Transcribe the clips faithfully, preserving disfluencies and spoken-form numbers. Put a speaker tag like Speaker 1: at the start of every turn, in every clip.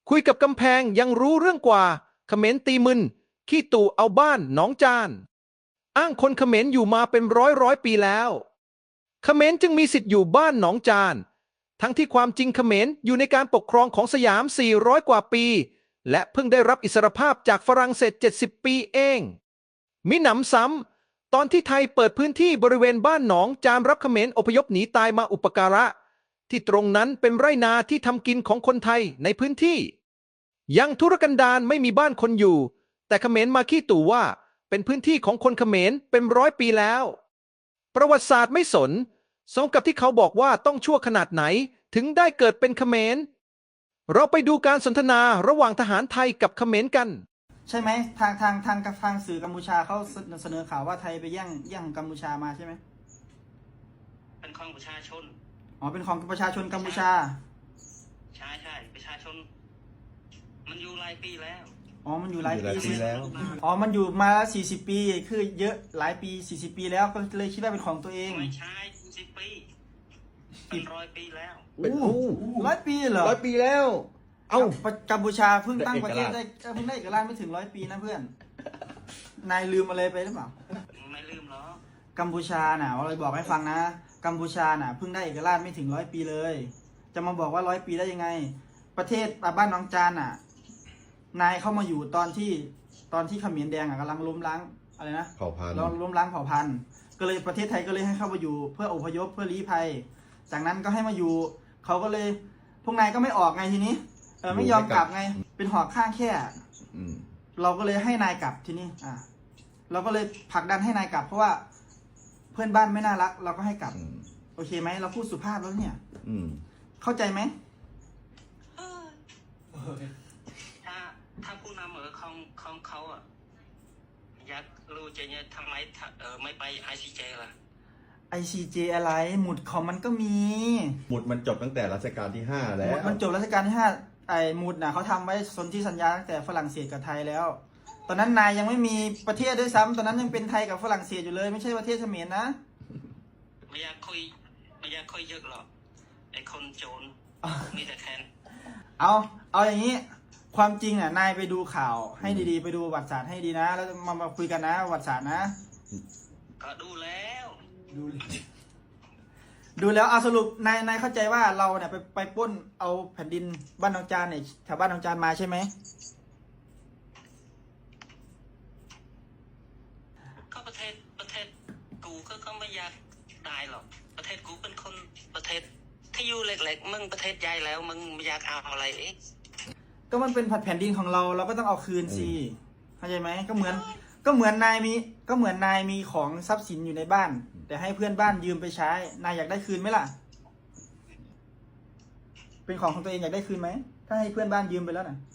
Speaker 1: คุยกับกำแพงยังรู้เรื่องกว่าเขมรตีมึนขี้ตู่เอาบ้านหนองจานอ้างคนเขมรอยู่มาเป็นร้อยร้อยปีแล้วเขมรจึงมีสิทธิ์อยู่บ้านหนองจานทั้งที่ความจริงเขมรอยู่ในการปกครองของสยามสี่ร้อยกว่าปีและเพิ่งได้รับอิสรภาพจากฝรั่งเศสเจ็ดสิบปีเองมิหนำซ้ำตอนที่ไทยเปิดพื้นที่บริเวณบ้านหนองจานรับเขมรอพยพหนีตายมาอุปการะที่ตรงนั้นเป็นไรนาที่ทำกินของคนไทยในพื้นที่ยังทุรกันดารไม่มีบ้านคนอยู่แต่เขมรมาขี้ตู่ว่าเป็นพื้นที่ของคนเขมรเป็นร้อยปีแล้วประวัติศาสตร์ไม่สนสมกับที่เขาบอกว่าต้องชั่วขนาดไหนถึงได้เกิดเป็นเขมรเราไปดูการสนทนาระหว่างทหารไทยกับเขมรกัน
Speaker 2: ใช่ไหมทางทางทางทางสื่อกัมพูชาเขาเสนอข่าวว่าไทยไปแย่งแย่งกัมพูชามาใช่ไหม
Speaker 3: เป็นของประชาชน
Speaker 2: อ๋อเป็นของประชาชนกัมพูชา
Speaker 3: ใช่ใช่ประชาชนมันอยู่หลายปีแล้ว
Speaker 2: อ๋อมันอยู่หลายปีแล้วอ๋อมันอยู่มาสี่สิบปีคือเยอะหลายปีสี่สิบปีแล้วก็เลยคิดว่าเป็นของตัวเอง
Speaker 3: ไม่ใช่สิบปีเป็นร้อยปีแล้ว
Speaker 2: เป็นร้อยปีเหรอ
Speaker 1: ร้อยปีแล้วเอ้า
Speaker 2: กัมพูชาเพิ่งตั้งประเทศได้เพิ่งได้เอกราชไม่ถึงร้อยปีนะเพื่อนนายลืมอะไรไปหรือเปล่า
Speaker 3: ไม่ลืมหรอก
Speaker 2: กัมพูชาน่ะเราบอกให้ฟังนะกัมพูชาน่ะเพิ่งได้เอกราชไม่ถึงร้อยปีเลยจะมาบอกว่าร้อยปีได้ยังไงประเทศบ้านน้องจานน่ะนายเข้ามาอยู่ตอนที่ตอนที่เขมรแดงอ่ะกำลังล้มล้างอะไรนะ
Speaker 4: เผ่าพันธุ์
Speaker 2: ล้มล้างเผ่าพันธุ์ก็เลยประเทศไทยก็เลยให้เข้ามาอยู่เพื่ออพยพเพื่อลี้ภัยจากนั้นก็ให้มาอยู่เขาก็เลยพวกนายก็ไม่ออกไงทีนี้เออไม่ยอมกลับไงเป็นหอกข้างแค่เราก็เลยให้นายกลับทีนี้อ่ะเราก็เลยผลักดันให้นายกลับเพราะว่าเพื่อนบ้านไม่น่ารักเราก็ให้กลับโอเคไหมเราพูดสุภาพแล้วเนี่ยเข้าใจไหม
Speaker 3: ถ้าถ้าผู้นำเออของของเขาอ่ะอยากรู้จะเนี่ยทำไมเออไม่ไปไอซีเจล่ะ
Speaker 2: ไอซีเจอะไรหมุดของมันก็มี
Speaker 4: หมุดมันจบตั้งแต่รัชกาลที่ห้าแล้ว
Speaker 2: มันจบรัชกาลที่ห้าไอหมุดน่ะเขาทำไว้สนธิสัญญาตั้งแต่ฝรั่งเศสกับไทยแล้ว ตอนนั้นนายยังไม่มีประเทศด้วยซ้ำตอนนั้นยังเป็นไทยกับฝรั่งเศสอยู่เลยไม่ใช่ประเทศเขมรนะ
Speaker 3: ไม่อยากคุยไม่อยากคุยเยอะหรอกไอคนโจรมีแต่แคน
Speaker 2: เอาเอาอย่างนี้ความจริงอ่ะนายไปดูข่าวให้ดีๆไปดูประวัติศาสตร์ให้ดีนะแล้วมามาคุยกันนะประวัติศาสตร์นะ
Speaker 3: ก็ดูแล้ว
Speaker 2: ดูดูแล้วเอาสรุปนายนายเข้าใจว่าเราเนี่ยไปไปปล้นเอาแผ่นดินบ้านนองจานเนี่ยแถวบ้านนองจานมาใช่ไหม
Speaker 3: ก็ประเทศประเทศกูก็ก็ไม่อยากตายหรอกประเทศกูเป็นคนประเทศที่อยู่เล็กๆมึงประเทศใหญ่แล้วมึงไม่อยากเอาอะไรเอ๊ะ
Speaker 2: ก็มันเป็นผัดแผ่นดินของเราเราก็ต้องเอาคืนสิเข้าใจไหมก็เหมือนก็เหมือนนายมีก็เหมือนนายมีของทรัพย์สินอยู่ในบ้านแต่ให้เพื่อนบ้านยืมไปใช้นายอยากได้คืนไหมล่ะเป็นของของตัวเองอยากได้คืนไหมถ้าให้เพื่อนบ้านยืมไปแล้วน่ะ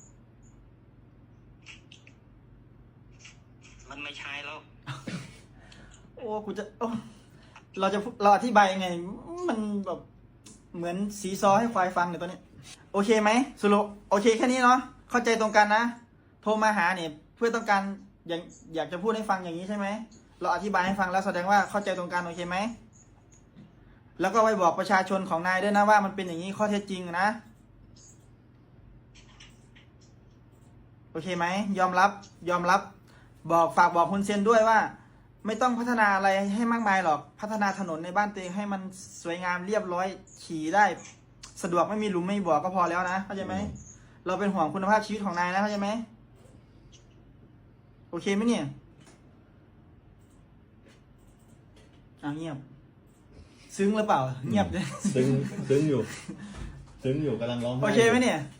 Speaker 3: มันไม่ใช่แล้ว
Speaker 2: โอ้กูจะโอ้เราจะเราอธิบายยังไงมันแบบเหมือนสีซอให้ควายฟังเนี่ยตอนนี้โอเคไหมสรุปโอเคแค่นี้เนาะเข้าใจตรงกันนะโทรมาหาเนี่ยเพื่อต้องการอยากอยากจะพูดให้ฟังอย่างนี้ใช่ไหมเราอธิบายให้ฟังแล้วแสดงว่าเข้าใจตรงกันโอเคไหมแล้วก็ไปบอกประชาชนของนายด้วยนะว่ามันเป็นอย่างนี้ข้อเท็จจริงนะโอเคไหมยอมรับยอมรับบอกฝากบอกคุณเซนด้วยว่าไม่ต้องพัฒนาอะไรให้มากมายหรอกพัฒนาถนนในบ้านตัวเองให้มันสวยงามเรียบร้อยขี่ได้สะดวกไม่มีหลุมไม่มีบ่อก็พอแล้วนะเข้าใจไหมเราเป็นห่วงคุณภาพชีวิตของนายนะเข้าใจไหมโอเคไหมเนี่ยอ้าวเงียบซึ้งหรือเปล่าเงียบเลย
Speaker 4: ซึ้งซึ้งอยู่ซึ้งอยู่กำลังร้องไห้
Speaker 2: โอเคไหมเนี่ย